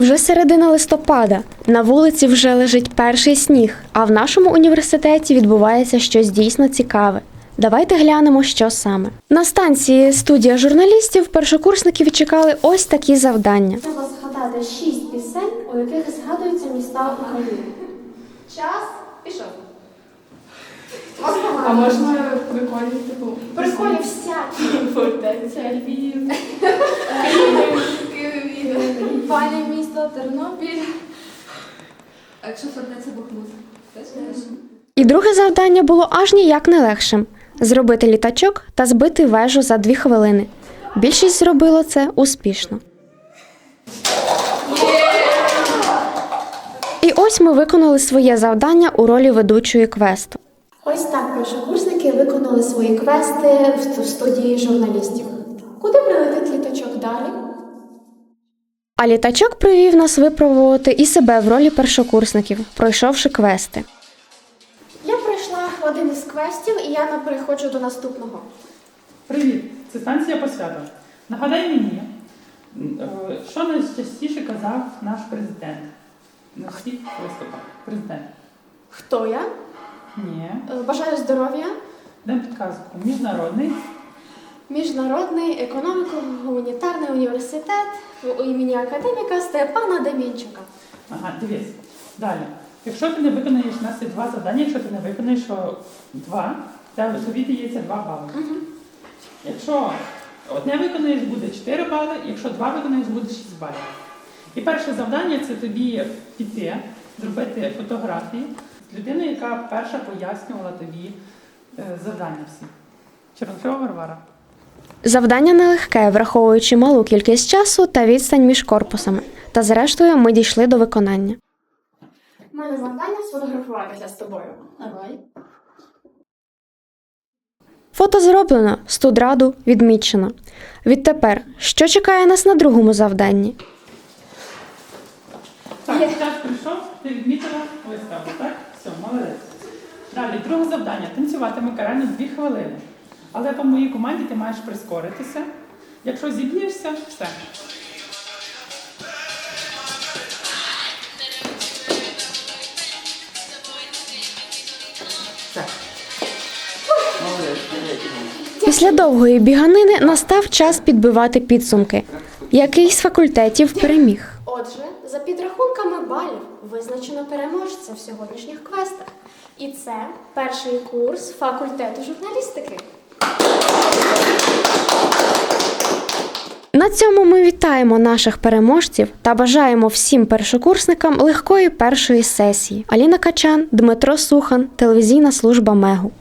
Вже середина листопада, на вулиці вже лежить перший сніг, а в нашому університеті відбувається щось дійсно цікаве. Давайте глянемо, що саме. На станції «Студія журналістів» першокурсники чекали ось такі завдання. Треба згадати 6 пісень, у яких згадуються міста України. Час пішов. А можна прикольні, типу, Приколі всякі. фортеця, Львів, Київ, Пані місто, Тернопіль. а якщо фортеця Бахмут? І друге завдання було аж ніяк не легшим – зробити літачок та збити вежу за 2 хвилини. Більшість зробило це успішно. І ось ми виконали своє завдання у ролі ведучої квесту. Ось так першокурсники виконали свої квести в студії журналістів. Куди прилетить літачок далі? А літачок привів нас випробувати і себе в ролі першокурсників, пройшовши квести. Я пройшла один із квестів, і я переходжу до наступного. Привіт, це станція Посвята. Нагадай мені, що найчастіше казав наш президент на всіх виступах? Президент. Хто я? Ні. Бажаю здоров'я. Дам підказку. Міжнародний. Міжнародний економіко-гуманітарний університет імені академіка Степана Демінчука. Ага, дивись. Далі. Якщо ти не виконаєш, у нас є 2 завдання, якщо ти не виконаєш 2, тобі дається 2 бали. Якщо одне виконаєш, буде 4 бали, якщо 2 виконаєш, буде 6 балів. І перше завдання – це тобі піти, зробити фотографії з людиною, яка перша пояснювала тобі завдання всі. Черношова Варвара. Завдання нелегке, враховуючи малу кількість часу та відстань між корпусами. Та зрештою ми дійшли до виконання. У мене завдання сфотографуватися з тобою. Давай. Фото зроблено, студраду відмічено. Відтепер, що чекає нас на другому завданні? Так, час прийшов, ти відмітила виставу, так? Все, молодець. Далі, друге завдання. Танцюватиме карально 2 хвилини. Але по моїй команді ти маєш прискоритися. Якщо зіб'єшся, все. Все. Після довгої біганини настав час підбивати підсумки. Який з факультетів переміг? Отже, за підрахунками балів визначено переможця в сьогоднішніх квестах. І це перший курс факультету журналістики. На цьому ми вітаємо наших переможців та бажаємо всім першокурсникам легкої першої сесії. Аліна Качан, Дмитро Сухан, телевізійна служба МЕГУ.